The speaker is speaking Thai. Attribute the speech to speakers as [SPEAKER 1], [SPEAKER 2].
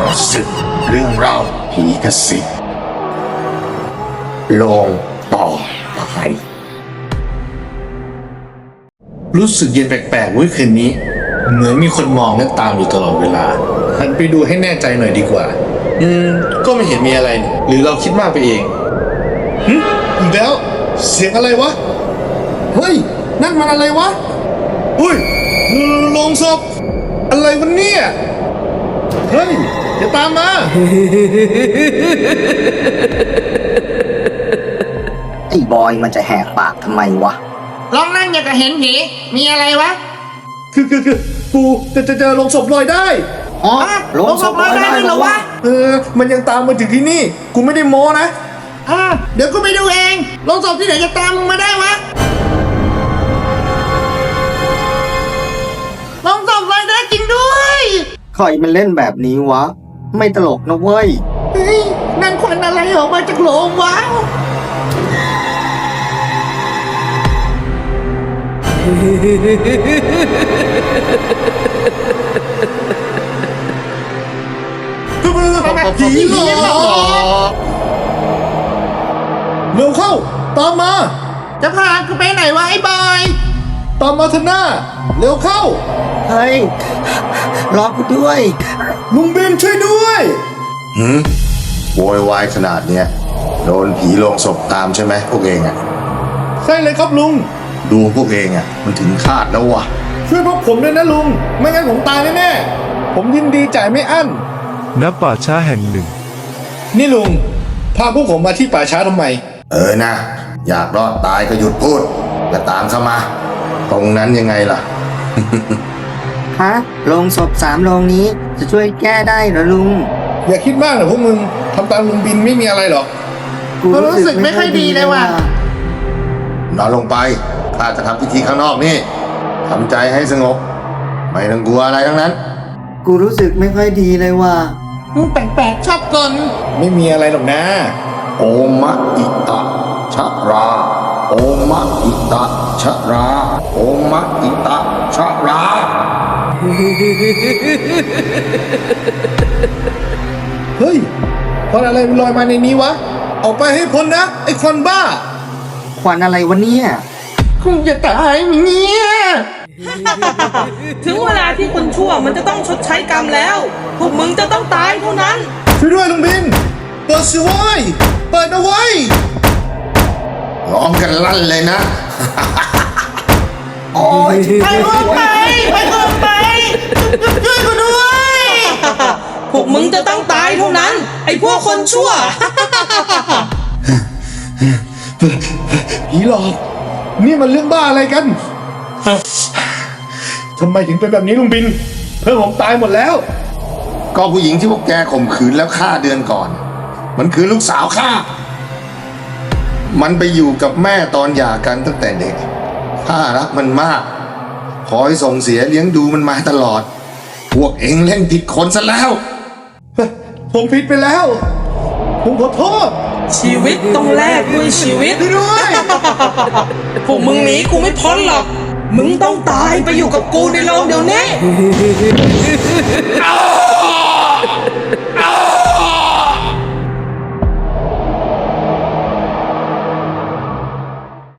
[SPEAKER 1] ศึกเรื่องเล่าผีกระสิบลงต่อไปรู้สึกเย็นแปลกๆเว้ยคืนนี้ เหมือนมีคนมองและตามอยู่ตลอดเวลาหันไปดูให้แน่ใจหน่อยดีกว่าก็ไม่เห็นมีอะไรนี่หรือเราคิดมากไปเองอีกแล้วเสียงอะไรวะเฮ้ยนั่นมันอะไรวะอุ้ยโลงศพอะไรวะเนี่ยเฮ้ยอย่าตามมา
[SPEAKER 2] ไอ้บอยมันจะแหกปากทำไมวะ
[SPEAKER 3] ลองนั่งอย่างกับเห็นผีมีอะไรวะ
[SPEAKER 1] คือปูจะเจอลงศพลอยได้
[SPEAKER 2] อ๋อ
[SPEAKER 3] ลงศพลอยได้ด้วยเหรอวะ
[SPEAKER 1] มันยังตามมาถึงที่นี่กูไม่ได้โม้นะ
[SPEAKER 3] เดี๋ยวกูไปดูเองลงศพที่ไหนจะตามมึงมาได้วะลงศพลอยได้จริงด้วย
[SPEAKER 2] ใครมันเล่นแบบนี้วะไม่ตลกนะเว้ย
[SPEAKER 3] เฮ้ยนั่นควันอะไรออกมาจากโหลงวะ
[SPEAKER 1] ผีหลอกเร็วเข้าตามมา
[SPEAKER 3] จะพากูไปไหนวะไอ้บอย
[SPEAKER 1] ตามมาเถอะหน้าเร็วเข้า
[SPEAKER 2] เฮ้ยรอกูด้วย
[SPEAKER 1] ลุงเบนช่วยด้วยโวยวายขนาดเนี้ยโดนผีลงศพตามใช่ไหมพวกเองอ่ะใช่เลยครับลุงดูพวกเองอ่ะมันถึงคาดแล้ววะช่วยพวกผมด้วยนะลุงไม่งั้นผมตายแน่ๆผมยินดีจ่ายไม่อั้น
[SPEAKER 4] ณป่าช้าแห่งหนึ่ง
[SPEAKER 1] นี่ลุงพาพวกผมมาที่ป่าช้าทำไมนะอยากรอดตายก็หยุดพูดอย่าตามเข้ามาตรงนั้นยังไงล่ะ
[SPEAKER 2] ฮะโรงศพ3โรงนี้จะช่วยแก้ได้เหรอลุง
[SPEAKER 1] อย่าคิดมากนะพวกมึงทำตามลุงบินไม่มีอะไรหรอก
[SPEAKER 3] กูรู้สึกไม่ค่อยดีเลยว่ะ
[SPEAKER 1] นอนลงไปข้าจะทำพิธีข้างนอกนี่ทำใจให้สงบไม่ต้องกลัวอะไรทั้งนั้น
[SPEAKER 2] กูรู้สึกไม่ค่อยดีเลยว่ะ
[SPEAKER 3] มึงแปลกๆชอบกล
[SPEAKER 1] ไม่มีอะไรหรอกนะโอมะอิตะชะราโอมะอิตะชะราโอมะอิตะชะราเฮ้ยควันอะไรมันลอยมาในนี้วะออกไปให้พ้นนะไอ้ควันบ้า
[SPEAKER 2] ควันอะไรวะเนี่ย
[SPEAKER 3] คงจะตายเนี่ย
[SPEAKER 5] ถึงเวลาที่คนชั่วมันจะต้องชดใช้กรรมแล้วพวกมึงจะต้องตายเท่านั้น
[SPEAKER 1] ช่วยด้วยลุงบินเปิดสิว้ยเปิดเอาไว้ร้องกันลั่นเลยนะ
[SPEAKER 2] โอ้ย
[SPEAKER 3] ไปช่วยกูด้วย
[SPEAKER 5] พวกมึงจะต้องตายเท่านั้นไอ้พวกคนชั่ว
[SPEAKER 1] ผีหลอกนี่มันเรื่องบ้าอะไรกันทำไมถึงเป็นแบบนี้ลุงบินเพื่อนผมตายหมดแล้วก็ผู้หญิงที่พวกแกข่มขืนแล้วฆ่าเดือนก่อนมันคือลูกสาวข้ามันไปอยู่กับแม่ตอนหย่ากันตั้งแต่เด็กข้ารักมันมากคอยส่งเสียเลี้ยงดูมันมาตลอดพวกเองเล่นผิดคนซะแล้วผมผิดไปแล้วผมขอโทษ
[SPEAKER 5] ชีวิตต้องแลกด้วยชีวิต
[SPEAKER 1] ด้วย
[SPEAKER 5] พวกมึงหนีกูไม่พ้นหรอกมึงต้องตายไปอยู่กับกูในโรงเดี๋ยวนี้